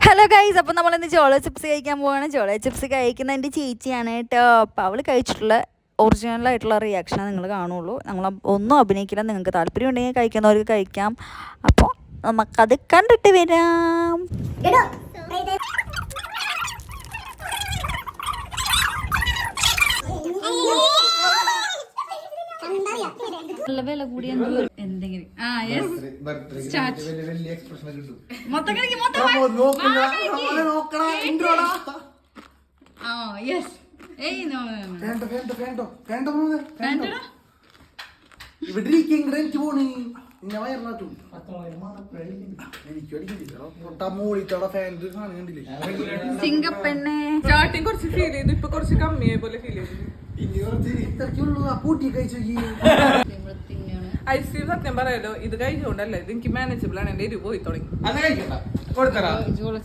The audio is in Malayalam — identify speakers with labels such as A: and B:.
A: ഹലോ ഗൈസ്, അപ്പം നമ്മളിന്ന് ചോള ചിപ്സ് കഴിക്കാൻ പോവാണ്. ചോള ചിപ്സ് കഴിക്കുന്ന എൻ്റെ ചേച്ചിയാണ് കേട്ടോ. അപ്പം അവൾ കഴിച്ചിട്ടുള്ള ഒറിജിനലായിട്ടുള്ള റിയാക്ഷനാണ് നിങ്ങൾ കാണുള്ളൂ. നമ്മൾ ഒന്നും അഭിനയിക്കില്ല. നിങ്ങൾക്ക് താല്പര്യം ഉണ്ടെങ്കിൽ കഴിക്കുന്നവർക്ക് കഴിക്കാം. അപ്പോൾ നമുക്കത് കണ്ടിട്ട് വരാം. നല്ല വില കൂടിയ എന്തെങ്കിലും സിംഗപ്പെണ്ണെ
B: സ്റ്റാർട്ടിങ് കുറച്ച് ഫീൽ ചെയ്തു, ഇപ്പൊ കുറച്ച് കമ്മിയായ പോലെ ഫീൽ ചെയ്തു. ഐസ്ക്രീം സത്യം പറയാലോ, ഇത് കഴിച്ചുകൊണ്ടല്ലേ ഇത് എനിക്ക് മാനേജബിൾ ആണ്. എന്റെ എരിവ് പോയി തുടങ്ങി.